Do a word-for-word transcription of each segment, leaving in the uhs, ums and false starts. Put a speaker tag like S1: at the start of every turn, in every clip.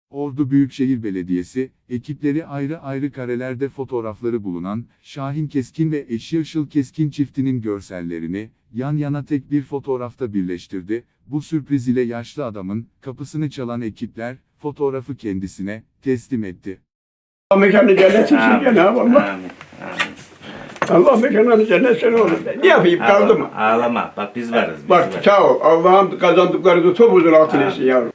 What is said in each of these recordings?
S1: Ordu Büyükşehir Belediyesi, ekipleri ayrı ayrı karelerde fotoğrafları bulunan, Şahin Keskin ve eşi Işıl Keskin çiftinin görsellerini, yan yana tek bir fotoğrafta birleştirdi. Bu sürpriz ile yaşlı adamın, kapısını çalan ekipler, fotoğrafı kendisine, teslim etti.
S2: Allah mekanı cennet için Cenab-ı Allah. Allah mekanını cennet sen olur. Ne yapayım kaldı mı?
S3: Ağlama. Bak biz varız. Biz
S2: Bak
S3: varız.
S2: sağ ol. Allah'ım kazandıklarınızı topuzun altına etsin yavrum.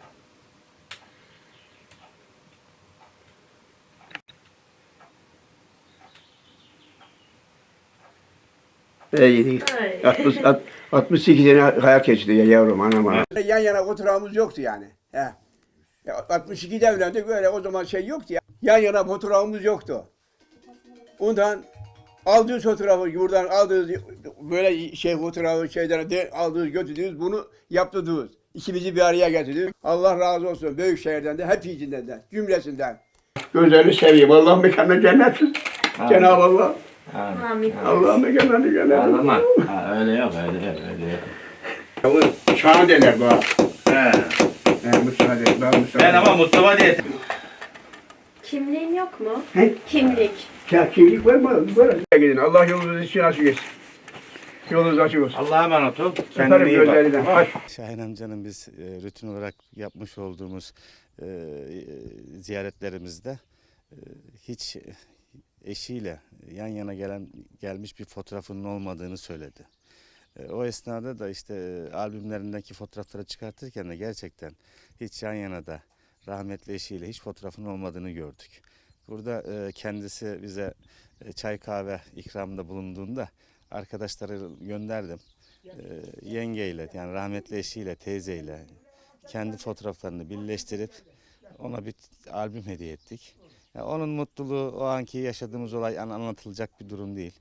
S2: İyi. altmış, altmış sekiz sene hayat geçti ya yavrum anam anam. Yan yana oturağımız yoktu yani. He. Ya altmış ikide evlendik böyle o zaman şey yoktu ya. Yan yana fotoğrafımız yoktu. Ondan aldığınız fotoğrafı buradan aldığınız böyle şey fotoğrafı şeyden de aldığınız götürdünüz bunu yaptırdınız. İkimizi bir araya getirdiniz. Allah razı olsun büyük şehirden de hepsinden de cümlesinden. Gözlerini seveyim. Allah mekanına cennet. Cenab-ı Allah.
S3: Amin.
S2: Allah mekanına cennet.
S3: Ağlama. Ha, öyle yok, öyle yok, öyle yok.
S2: Şahan derler bana.
S3: He.
S2: He, Mustafa der, ben Mustafa
S3: Ben ama Mustafa diye.
S4: Kimliğin yok mu?
S2: He?
S4: Kimlik.
S2: Ya kimlik var mı? Var. Gidin. Allah yolunuzu için açık etsin. Yolunuz açık olsun.
S3: Allah'a emanet ol. Kendine
S2: Öperim
S3: iyi bak.
S2: gözlerinden. Hadi.
S5: Şahin amcanın biz e, rutin olarak yapmış olduğumuz e, ziyaretlerimizde e, hiç eşiyle yan yana gelen gelmiş bir fotoğrafının olmadığını söyledi. E, o esnada da işte e, albümlerindeki fotoğrafları çıkartırken de gerçekten hiç yan yana da rahmetli eşiyle hiç fotoğrafının olmadığını gördük. Burada e, kendisi bize e, çay kahve ikramında bulunduğunda arkadaşları gönderdim. Ee, yengeyle yani rahmetli eşiyle teyzeyle kendi fotoğraflarını birleştirip ona bir albüm hediye ettik. Yani onun mutluluğu o anki yaşadığımız olay anlatılacak bir durum değil.